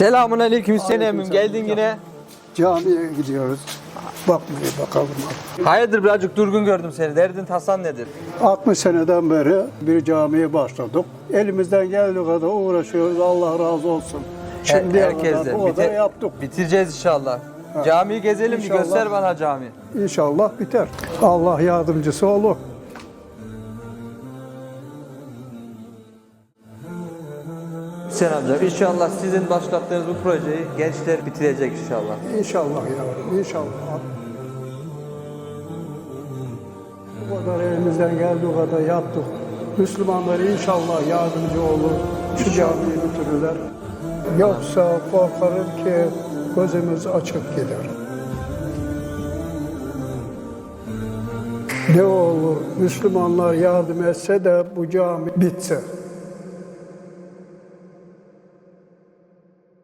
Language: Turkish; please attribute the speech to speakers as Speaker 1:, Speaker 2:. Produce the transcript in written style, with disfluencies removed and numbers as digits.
Speaker 1: Selamun aleyküm Hüseyin emmim. Geldin yine.
Speaker 2: Camiye gidiyoruz. Bakmaya bakalım.
Speaker 1: Hayırdır birazcık durgun gördüm seni. Derdin tasan nedir?
Speaker 2: 60 seneden beri bir camiye başladık. Elimizden geldiği kadar uğraşıyoruz. Allah razı olsun. Şimdiye kadar
Speaker 1: Herkesten.
Speaker 2: bu kadar yaptık.
Speaker 1: Bitireceğiz inşallah. Camiyi gezelim bir
Speaker 2: İnşallah.
Speaker 1: göster bana cami.
Speaker 2: İnşallah biter. Allah yardımcısı olur.
Speaker 1: Hüseyin amca inşallah sizin başlattığınız bu projeyi gençler bitirecek inşallah.
Speaker 2: İnşallah yavrum, inşallah. Bu kadar elimizden geldiği kadar yaptık. Müslümanlar inşallah yardımcı olur. Şu camiyi bitirirler. Yoksa korkarım ki gözümüz açık gider. Ne olur Müslümanlar yardım etse de bu cami bitse.